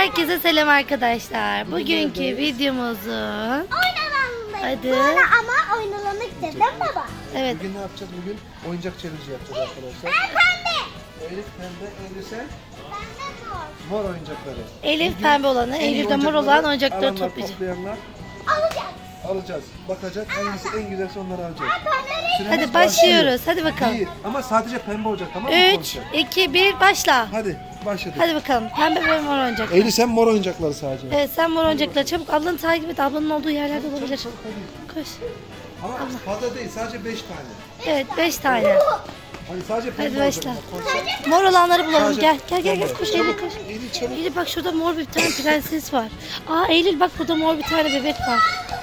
Herkese selam arkadaşlar. Bugünkü videomuzun Hadi. Sonra ama oynanmak istedim baba. Evet. Bugün ne yapacağız? Bugün oyuncak challenge yapacağız arkadaşlar. Ben pembe. Elif pembe, Elif sen Ben de mor. mor oyuncakları. Elif Bugün pembe olanı, en iyi Eylül'de mor olan oyuncakları alanlar, toplayacağız. toplayanlar Alacağız. alacağız. Bakacak hangisi en güzelse onları alacağız. Süremiz Hadi başlıyoruz. Hadi bakalım. Bir. Ama sadece pembe olacak, tamam mı? 3, konuşacak? 2, 1 başla. Hadi başladık. Hadi bakalım. Pembe ve mor oyuncaklar. Elif sen mor oyuncakları sadece. Evet, sen mor oyuncakları çabuk ablanı takip et. Ablanın olduğu yerlerde olabilir. Koş. Ama fazla değil, sadece 5 tane. Evet, 5 tane. Hani sadece pembe Hadi olacak. başla. ama konuşacak. Mor olanları bulalım. Sadece Gel, gel, gel, pembe. koş Eylül koş. Elif çabuk. Eylül bak şurada mor bir tane prenses var. Aa Eylül bak burada mor bir tane bebek var.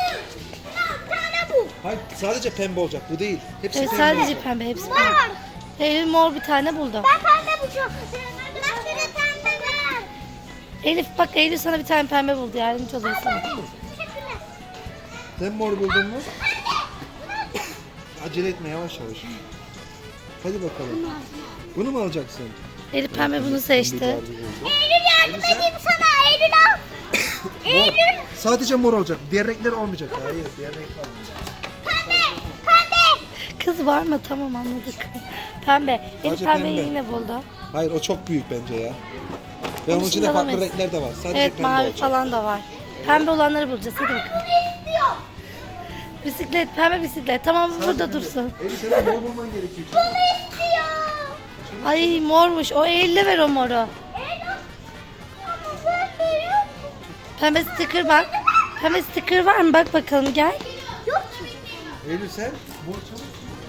Hayır, sadece pembe olacak, bu değil. Hepsi Evet pembe sadece olacak. pembe, hepsi pembe. Eylül mor bir tane buldu. Ben pembe bulacağım. Ben şöyle pembe ver. Elif bak Eylül sana bir tane pembe buldu. Yardımcı oluyor sana. Teşekkürler. Sen mor buldun mu? Acele etme, yavaş yavaş. Hadi bakalım. Bunu mu alacaksın? Elif pembe bunu seçti. Eylül yardım edeyim sana. Eylül al. Eylül. Sadece mor olacak. Diğer renkler olmayacak. Hayır, diğer renk olmayacak. Pembe. Pembe. Kız var mı? Tamam anladık. Pembe. Elif Sadece pembeyi pembe. yine buldu. Hayır, o çok büyük bence ya. Ve onun Onu içinde şimdi farklı alamayız. renkler de var. Sadece Evet pembe mavi olacak. falan da var. Pembe olanları bulacağız. Hadi bakalım. Bunu istiyorum. Bisiklet, pembe bisiklet. Tamam burada dursun. Elif senin mor bulman gerekiyor. Bunu istiyorum. Ay mormuş. O Eylül'e ver o moru. Eylül. Ama ben veriyorum. Pembe sticker bak. Pembe sticker var mı? Bak bakalım gel. Yok ki. Eylül sen mor çabuk.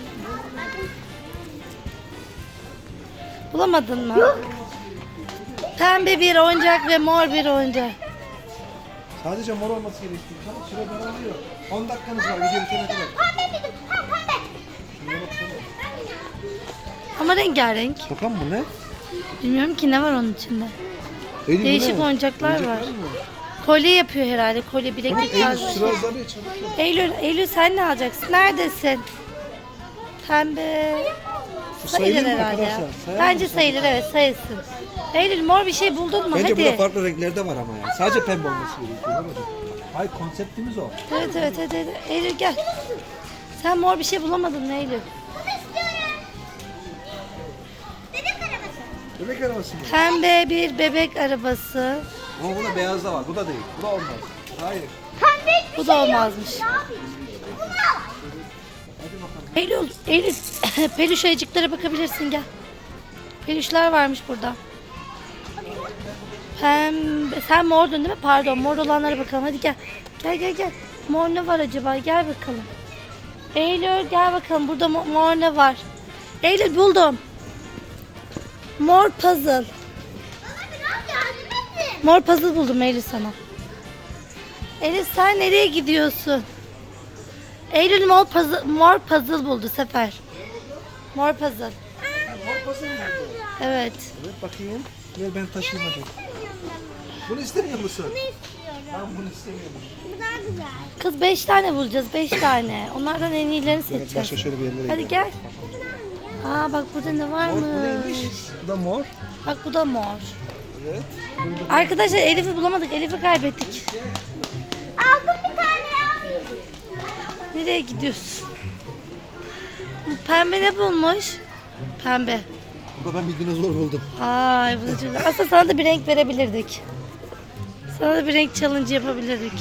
Bulamadın mı? Pembe bir oyuncak ve mor bir oyuncak. Sadece mor olması gerekiyor. Tamam, süre daralıyor. 10 dakikanız var video bitene kadar. Pembe dedim. Ha pembe. Şuraya baksana. Ama rengarenk. Bakalım bu ne? Bilmiyorum ki ne var onun içinde. Eylül, bu Değişik ne? oyuncaklar var. mı? Kolye yapıyor herhalde. Kolye Tamam, bileklik Eylül tarzı. sıra azalıyor, çabuk ol. Eylül sen ne alacaksın? Neredesin? Pembe. Bu Sayılır mı herhalde ya. arkadaşlar? Sayar Bence mısın? sayılır evet sayılsın. Eylül mor bir şey buldun mu? Bence burada Hadi. farklı renkler de var ama ya. Sadece pembe olması gerekiyor. Değil mi? Hayır, konseptimiz o. Evet evet hadi. Eylül gel. Sen mor bir şey bulamadın mı Eylül? Bunu istiyorum. Bebek arabası. Bebek arabası mı? Pembe bir bebek arabası. Ama bunda beyaz da var. Bu da değil. Bu da olmaz. Hayır. Pembe hiçbir Bu şey da yok. olmazmış. Ne yapayım? Bunu al. Eylül peluş ayıcıklara bakabilirsin gel. Peluşlar varmış burada. Pembe, sen mordun değil mi? Pardon mor olanlara bakalım hadi gel. Gel. Mor ne var acaba? Gel bakalım. Eylül gel bakalım burada mor ne var? Eylül buldum. Mor puzzle. Bana biraz yardım edin. Mor puzzle buldum Eylül sana. Eylül sen nereye gidiyorsun? Eylül mor puzzle buldu Sefer. Mor puzzle. Mor pasın mı? Evet. Evet, bakayım. Ver ben taşıyayım hadi. Bunu istemiyor musun? Bunu istiyorum. Ben bunu istemiyorum. Bu daha güzel. Kız 5 tane bulacağız 5 tane. Onlardan en iyilerini Evet, başka seçeceğiz. şöyle bir yerlere Hadi gidelim. gel. Aa bak burada ne Mor bu neymiş? varmış. Bu da mor. Bak bu da mor. Evet. Arkadaşlar Elif'i bulamadık. Elif'i kaybettik. Aldım bir tane ya. Nereye gidiyorsun? Bu pembe ne bulmuş? Pembe. Burada ben bir dinozor buldum. Ay bu da çok... Aslında sana da bir renk verebilirdik. Sana da bir renk challenge yapabilirdik.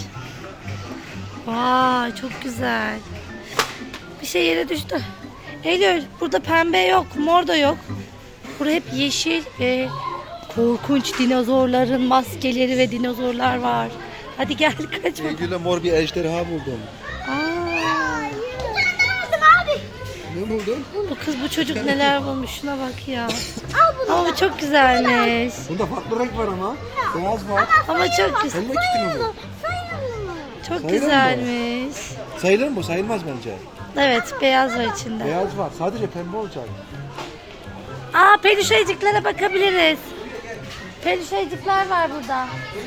Vay çok güzel. Bir şey yere düştü. Eylül burada pembe yok, mor da yok. Burada hep yeşil ve korkunç dinozorların maskeleri ve dinozorlar var. Hadi gel kaçma. Eylül'e mor bir ejderha buldum. Aa, Bir tane aldım abi. Ne buldun? bu kız bu çocuk neler bulmuş şuna bak ya. Al bunu. Ama bu çok güzelmiş. Bunda farklı renk var ama. Beyaz var. Ama çok güzel. Elma kitini bu. Sayın mı? Çok Sayılır mı? güzelmiş. Sayılır mı bu? Sayılmaz bence. Evet beyaz var içinde. Beyaz var. Sadece pembe olacak. Aa peluş ayıcıklara bakabiliriz. Peluş ayıcıklar var burada.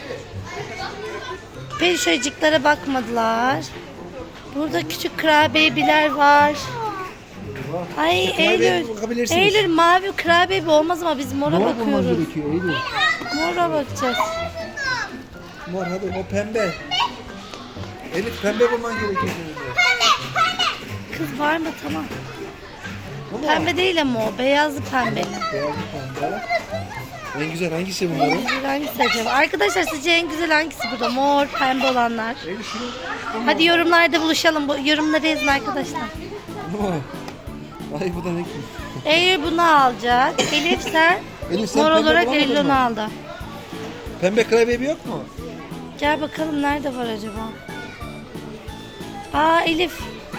Peluş ayıcıklara bakmadılar. Burada küçük kurabiyeler var. Ay Kurabiye Eylül. bakabilirsiniz. Eylül mavi kurabiye olmaz ama biz mora Mor bulman bakıyoruz. gerekiyor Eylül. Mora bakacağız. Mor hadi o pembe. Elif pembe bulman gerekiyor senin de. Kız var mı? Tamam. Bu mu? Pembe değil ama o. Beyazlı pembeli. Beyazlı pembe. En güzel hangisi bunların? Güzel hangisi acaba? Arkadaşlar sizce en güzel hangisi burada? Mor, pembe olanlar. Elif şunu. Hadi yorumlarda buluşalım. Bu yorumları yazın arkadaşlar. Bu mu? Ay bu da ne ki? Eylül bunu alacak. Elif sen Elif, sen mor pembe olarak bulamadın Eylül mı? onu aldı. Pembe klavye yok mu? Gel bakalım nerede var acaba? Aa Elif.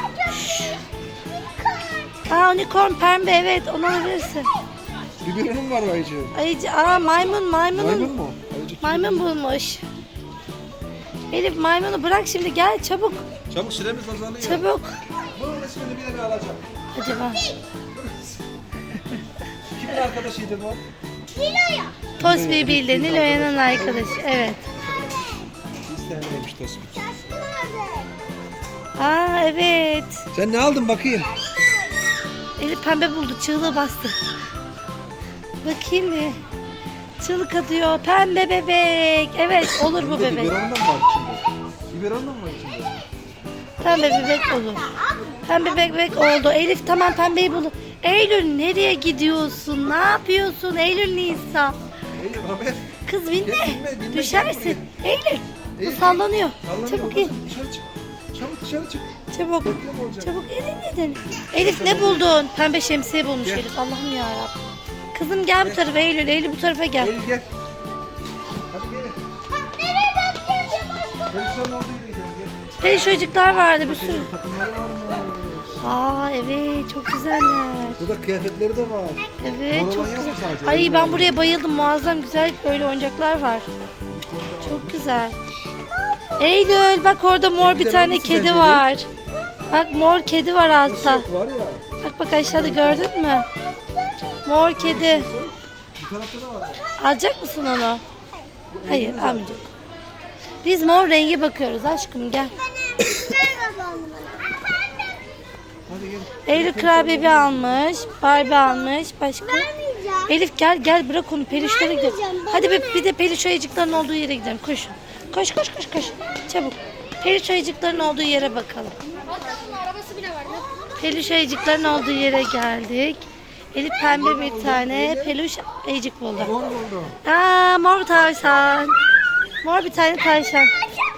Aa unicorn pembe, evet onu alabilirsin. Biberonun var Ayıcı. Ayıcı, maymun. Maymun mu? Ayıcı kim? Maymun bulmuş. Elif maymunu bırak şimdi, gel çabuk. Çabuk süremiz azalıyor. Çabuk. Bunun resmini bir yere alacağım. Acaba. Kimin arkadaşıydı bu? Nilo'ya. Tosbi bildi. Nilo'yanın arkadaşı. Evet. İstenmemiş Tosbi. Aa evet. Sen ne aldın bakayım? Elif pembe buldu. Çığlığı bastı. Bakayım bir. Çığlık atıyor. Pembe bebek. Evet olur bu bebek. Biberondan mı var içinde? Biberondan mı var içinde? Pembe bebek olur. Pembe bebek oldu. Elif tamam pembeyi buldu. Eylül nereye gidiyorsun? Ne yapıyorsun? Eylül Nisa. Eylül haber. Kız binme. Binme, Düşersin. Eylül. Bu Eylül, sallanıyor. Sallanıyor, Çabuk in. Dışarı çık. Çabuk dışarı çık. Çabuk. Bekle olacak. Çabuk elin. Elif ne buldun? Pembe şemsiye bulmuş Gel. Elif. Allah'ım yarabbim. Kızım gel bu tarafa Eylül. Eylül bu tarafa gel. Eylül gel. Hadi gel. Nereye bakıyorsun? Perişan olduğu yere gel. Gel. Peluş çocuklar vardı bir sürü. Senin takımları var mı? Aa evet çok güzeller. Burada kıyafetleri de var. Evet Mor çok olan yok mu güzel. sadece? Ay Eylül ben var. buraya bayıldım. Muazzam güzel böyle oyuncaklar var. Çok güzel. Eylül bak orada mor bir güzel tane hangisi kedi sence? var. Bak mor kedi var altta. Nasıl var ya? Bak aşağıda gördün mü? Mor kedi. Bu tarafta da var. Alacak mısın onu? Hayır almayacak. Biz mor rengi bakıyoruz aşkım gel. Hadi gel. Eylül kurabiye almış. Barbie almış. Başka? Vermeyeceğim. Elif gel bırak onu peluşlara gidelim. Vermeyeceğim, Hadi bir de peluş ayıcıkların olduğu yere gidelim. Koş. Koş. Çabuk. Peluş ayıcıkların olduğu yere bakalım. Arabası bile var. Peluş ayıcıkların olduğu yere geldik. Elif pembe bir tane peluş ayıcık buldu. Mor buldum. Aa mor tavşan. Mor bir tane tavşan.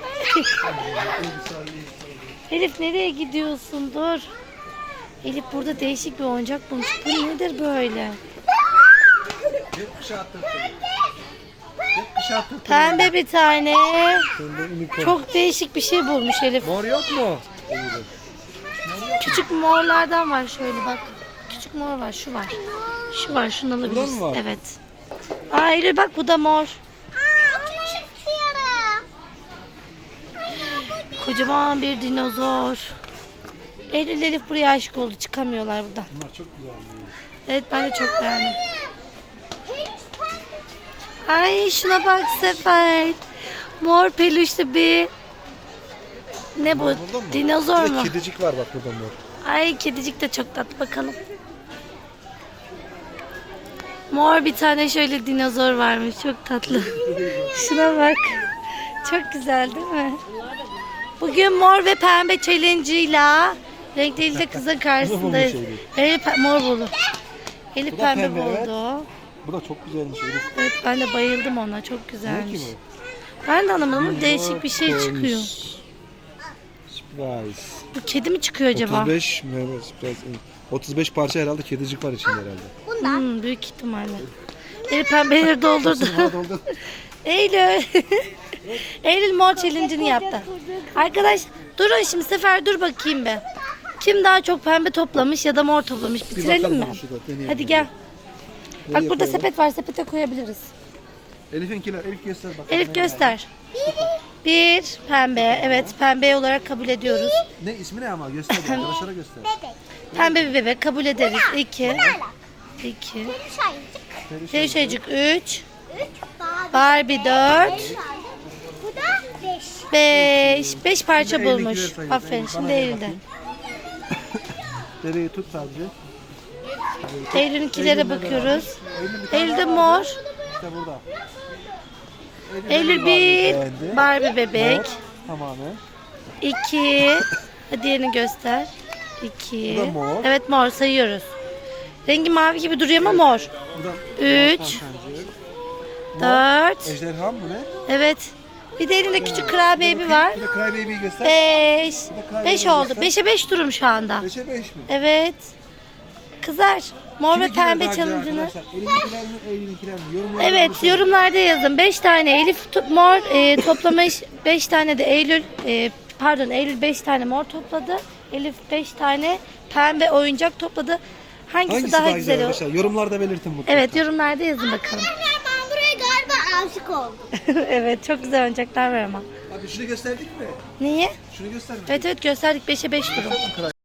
Elif nereye gidiyorsun? Dur. Elif burada değişik bir oyuncak bulmuş. Bu nedir böyle? Gökkuşağı tırtılı. Gökkuşağı tırtılı. Pembe bir tane. Pembe unicorn. Çok değişik bir şey bulmuş Elif. Mor yok mu? Küçük morlardan var şöyle bak. Küçük mor var, şu var. Şu var, şunu alabilirsin. mı var? Evet. Aa Eylül bak bu da mor. Kocaman bir dinozor. Eylül Elif buraya aşık oldu. Çıkamıyorlar buradan. Bunlar çok güzel. Evet ben de çok beğendim. Ay şuna bak Sefer. Mor peluşlu bir... Ne bu? Burada mı? Dinozor Bir de mu? kedicik var bak burada mor. Ay kedicik de çok tatlı, bakalım. Mor bir tane şöyle dinozor varmış, çok tatlı. Şuna bak. Çok güzel değil mi? Bugün mor ve pembe challenge'ıyla renkleriyle kızın karşısındayız. bulmuş Elif. Elif mor buldu. Elif Bu da pembe pembe, evet. buldu. Bu da çok güzelmiş Elif. Evet ben de bayıldım ona, çok Ne güzelmiş. ki bu? Ben de anlamadım ama değişik bir şey çıkıyor. Surprise. Bu kedi mi çıkıyor acaba? 35 Mehmet surprise. 35 parça herhalde kedicik var içinde herhalde. Büyük ihtimalle. Elif pembeleri doldurdu. Bana doldu. Eylül. Eylül mor challenge'ını yaptı. Arkadaş durun şimdi Sefer dur bakayım be. Kim daha çok pembe toplamış ya da mor toplamış bitirelim bakalım mi? şurada, deneyelim. Hadi gel. Bak Nereye burada koyalım? sepet var, sepete koyabiliriz. Elif'inkiler. Elif göster bakalım. Elif Ne göster. Bir pembe, evet pembe olarak kabul ediyoruz. var? Ne ismi ne ama göster arkadaşlara göster. Pembe bir bebek kabul ederiz. 2 Peluş ayıcık 3 Barbie 4 Bu da 5. 5 parça Şimdi bulmuş. Eylül'ünkileri sayalım. Aferin Bana şimdi ver Eylül'de. bakayım. Dereyi tut sadece. Eylül'ünkilere Eylül'de de bakıyoruz. var. Eylül bir tane Eylül'de daha vardı. mor. İşte burada. Eylül bir Barbie bebek. Mor, tamamen. 2. Hadi diğerini göster. 2. Bu da mor. Evet mor sayıyoruz. Rengi mavi gibi duruyor ama mor. Bu da 3. Hakan Sancı. 4. Ejderha mı ne? Evet. Bir de elinde küçük Cry Baby var. Bir de Cry Baby'yi göster. 5. Cry 5 Baby oldu. göster. 5'e 5 durum şu anda. 5'e 5 mi? Evet. Kızlar. Mor ve Kiminkiler pembe daha güzel challenge'ını. arkadaşlar? Elimdekiler mi? Eylül'ünkiler mi? Yorumlarda Evet buluşalım. yorumlarda yazın. 5 tane Elif mor toplamış. 5 tane de Eylül Eylül 5 tane mor topladı. Elif 5 tane pembe oyuncak topladı. Hangisi daha güzel olur? arkadaşlar? Yorumlarda belirtin mutlaka. Evet yorumlarda yazın bakalım. Ben buraya galiba aşık oldum. Evet çok güzel oyuncaklar var ama. Abi şunu gösterdik mi? Niye? Şunu gösterdik. Evet gösterdik 5'e 5 durum. Cry